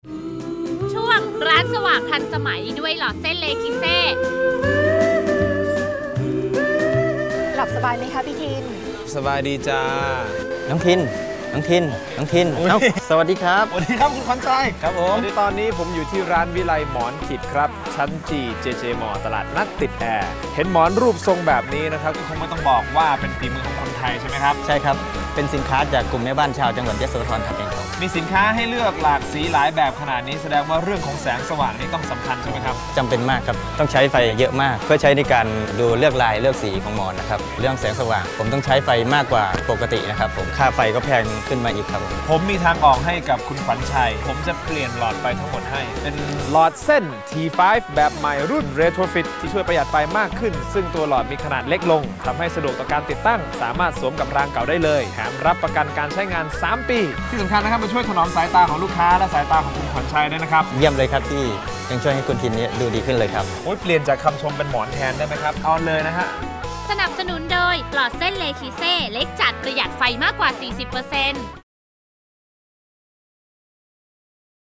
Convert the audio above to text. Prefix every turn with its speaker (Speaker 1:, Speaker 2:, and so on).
Speaker 1: ช่วงร้านสว่างทันสมัยด้วยหลอดเส้นเลคิเซ่
Speaker 2: หลับสบายไหมคะพี่ทิน
Speaker 3: สบายดีจ้า
Speaker 4: น้องทินสวัสดีครับ
Speaker 3: สวัสดีครับคุณขวัญใจ
Speaker 4: ครับผม
Speaker 3: ในตอนนี้ผมอยู่ที่ร้านวิไลหมอนขิดครับชั้นจีเจเจมอตลาดนัดติดแอร์เห็นหมอนรูปทรงแบบนี้นะครับก็คงไม่ต้องบอกว่าเป็นฝีมือของคนไทยใช่ไหมครับ
Speaker 4: ใช่ครับเป็นสินค้าจากกลุ่มแม่บ้านชาวจังหวัดยโสธรทำเองครับ
Speaker 3: มีสินค้าให้เลือกหลากสีหลายแบบขนาดนี้แสดงว่าเรื่องของแสงสว่างนี่ต้องสำคัญใช่ไหมครับ
Speaker 4: จำเป็นมากครับต้องใช้ไฟเยอะมากเพื่อใช้ในการดูเลือกลายเลือกสีของหมอนนะครับเรื่องแสงสว่างผมต้องใช้ไฟมากกว่าปกตินะครับผมค่าไฟก็แพงขึ้นมาอีกครับ
Speaker 3: ผมมีทางออกให้กับคุณขวัญชัยผมจะเปลี่ยนหลอดไฟทั้งหมดให้เป็นหลอดเส้น T5 แบบใหม่รุ่น Retrofit ที่ช่วยประหยัดไฟมากขึ้นซึ่งตัวหลอดมีขนาดเล็กลงทำให้สะดวกต่อการติดตั้งสามารถสวมกับรางเก่าได้เลยแถมรับประกันการใช้งาน3 ปีที่สำคัญนะครับมาช่วยถนอมสายตาของลูกค้าและสายตาของคุณขวัญชัยด้วยนะครับ
Speaker 4: เยี่ยมเลยครับที่ยังช่วยให้คุณทินนี้ดูดีขึ้นเลยครับ
Speaker 3: โอ้ยเปลี่ยนจากคำชมเป็นหมอนแทนได้ไหมครับเอาเลยนะฮะ
Speaker 1: สนับสนุนโดยหลอดเส้นเลคิเซ่เล็กจัดประหยัดไฟมากกว่า 40%